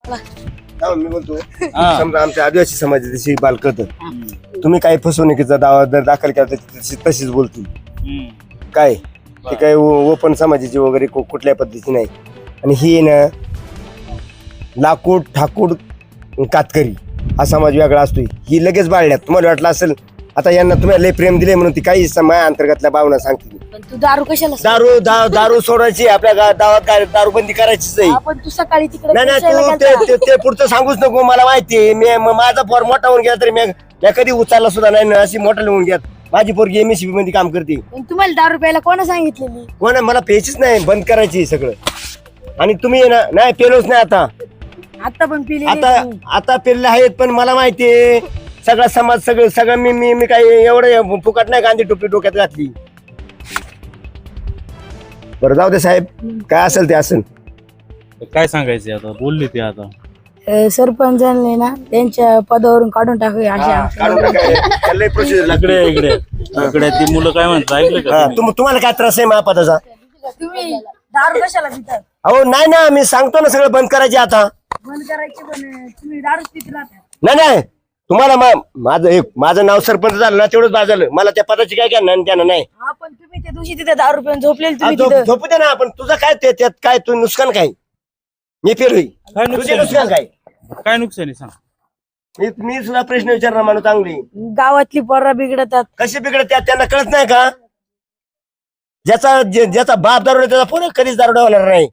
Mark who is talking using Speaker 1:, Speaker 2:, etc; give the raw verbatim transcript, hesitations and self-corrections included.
Speaker 1: हा, मी बोलतो समजा आमच्या आदिवासी समाजाची बालकत तुम्ही काही फसवणुकीचा दावा जर दाखल केला तर तशी- तशीच बोलतील काय ते काय ओपन समाजाची वगैरे कु- कुठल्या पद्धतीची नाही. आणि ही ना लाकूड ठाकूड कातकरी हा समाज वेगळा असतो. ही लगेच बाळण्यात तुम्हाला वाटलं असेल आता यांना तुम्हाला लय प्रेम दिले म्हणून ती काही समाया अंतर्गतल्या भावना सांगते.
Speaker 2: पण तू दारू कशाला
Speaker 1: दारू दा- दारू सोडायची आपल्या गा- गावात काय दारूबंदी करायचीच नाही.
Speaker 2: आपण तू सकाळी तिकडे
Speaker 1: नाही नाही
Speaker 2: फिरायला
Speaker 1: तू
Speaker 2: गेलता.
Speaker 1: ते- ते- ते पुढचं सांगूच नको मला माहिती मी म- माझा पोर मोठा होऊन गेला तरी मी मी कधी उचलला सुद्धा नाही ना. अशी मोठा होऊन गेला माझी पोरगी एमएससीबी मध्ये काम करते.
Speaker 2: पण तुम्हाला दारू प्यायला कोणा सांगितलेली?
Speaker 1: कोण मला प्यायचीच नाही बंद करायची सगळं. आणि तुम्ही ना नाही पेलोच नाही आता
Speaker 2: आता पण पिली
Speaker 1: आता आता पेरले आहेत पण मला माहितीये सगळा समाज सगळं सगळं मी मी मी काही एवढं फुकट नाही गांधी टोपी डोक्यात घातली. बरं जाऊ दे साहेब काय असेल ते असेल.
Speaker 3: काय सांगायचं आता बोलली ते आता
Speaker 2: सरपंचांनी ना त्यांच्या पदावरून काढून टाकूया अशा
Speaker 1: प्रोसिजर
Speaker 3: इकडे इकडे इकडे ती मुलं काय म्हणतात ऐकलं का तुम्ही?
Speaker 1: तुम्हाला काय त्रास आहे महापदाचा?
Speaker 2: तुम्ही दारू कशाला पितात?
Speaker 1: अहो नाही ना मी सांगतो ना सगळं बंद करायचे आता.
Speaker 2: बंद करायची पण तुम्ही दारू पित राहता.
Speaker 1: नाही नाही तुम्हाला मा- माझं एक माझं नाव सरपंच झालं ना तेवढंच बाद झालं. मला त्या पदाची काय काय नाही त्यानं नाही.
Speaker 2: हा पण तुम्ही त्या दिवशी तिथे दारू पिऊन झोपलेले
Speaker 1: आ,
Speaker 2: तुम्ही
Speaker 1: झोप-
Speaker 2: तिथं.
Speaker 1: झोपू दे ना आपण तुझं काय ते त्यात काय तू नुकसान काय मी पेलोय
Speaker 3: काय
Speaker 1: तुझे
Speaker 3: नुकसान
Speaker 1: नुकसान काय
Speaker 3: काय नुकसान आहे सांग.
Speaker 1: मी मी सुद्धा प्रश्न विचारणार माणूस चांगली
Speaker 2: गावातली पोरं बिघडतात.
Speaker 1: कशी बिघडत त्यात त्यांना कळत नाही का? ज्याचा जे- ज्याचा बाप दारोडा त्याचा पोरं कधीच दारोडा होणार नाही.